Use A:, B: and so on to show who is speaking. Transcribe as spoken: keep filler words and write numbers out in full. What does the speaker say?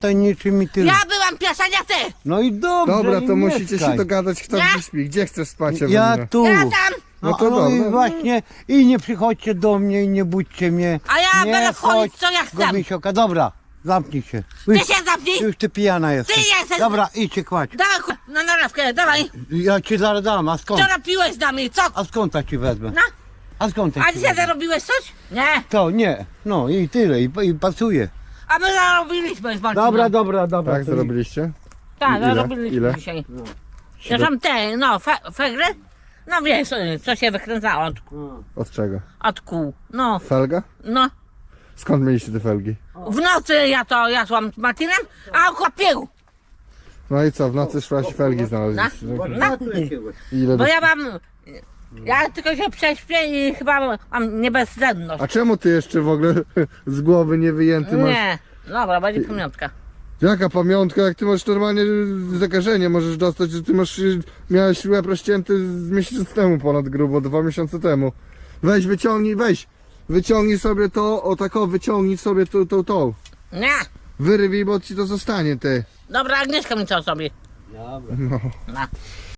A: To niczym mi ty...
B: Ja byłam pierwsza, nie ty!
A: No i dobrze.
C: Dobra,
A: i
C: to musicie
A: mieszkaj.
C: się dogadać, kto
B: Ja?
C: gdzie śpi. Gdzie chcesz spać,
A: Ja
C: Ewelina?
A: tu.
B: Ja tam!
A: No,
C: No to
A: no i
C: dobra.
A: właśnie, i nie przychodźcie do mnie i nie budźcie mnie.
B: A ja
A: nie
B: będę wchodzić,
A: chodź
B: co ja chcę.
A: do Misioka. Dobra, zamknij się.
B: Ty
A: Już,
B: się zamknij!
A: już ty pijana jesteś.
B: Ty jesteś-
A: Dobra, idź się kładź.
B: Dawaj ku- na narawkę, dawaj!
A: Ja ci zaraz dam, a skąd?
B: Co robiłeś z nami, co?
A: A skąd ja ci wezmę?
B: No,
A: A skąd ja
B: a
A: ci
B: dzisiaj
A: wezmę?
B: zarobiłeś coś? Nie,
A: To nie, no i tyle, i, i pasuje.
B: a my zarobiliśmy z Marcinem.
A: Dobra, dobra, dobra.
C: Tak,
A: to
C: zrobiliście?
B: Tak,
C: Ile?
B: zarobiliśmy
C: Ile?
B: dzisiaj. Ja tam te, no, fe, fegry? No wiesz, co się wykręcało od,
C: Od czego?
B: od kół. No,
C: Felga?
B: no.
C: Skąd mieliście te felgi?
B: W nocy ja to jadłam z Martinem, a on chłopił.
C: No i co, w nocy szłaś i felgi znaleźliście?
B: No.
A: No.
C: Ile
B: Bo
C: do...
B: ja mam, ja tylko się prześpię i chyba mam niebezsenność.
C: A czemu ty jeszcze w ogóle z głowy nie wyjęty masz?
B: Nie, dobra, będzie pamiątka.
C: Jaka pamiątka, jak ty masz normalnie zakażenie, możesz dostać, że ty masz, miałeś łeb rozcięty z miesiąc temu ponad grubo, dwa miesiące temu. Weź, wyciągnij, weź, wyciągnij sobie to, o tak o, wyciągnij sobie tą, tą, tą.
B: Nie,
C: Wyrywij, bo ci to zostanie, ty.
B: dobra, Agnieszka mi to zrobi.
A: Dobra.
C: No.
B: No.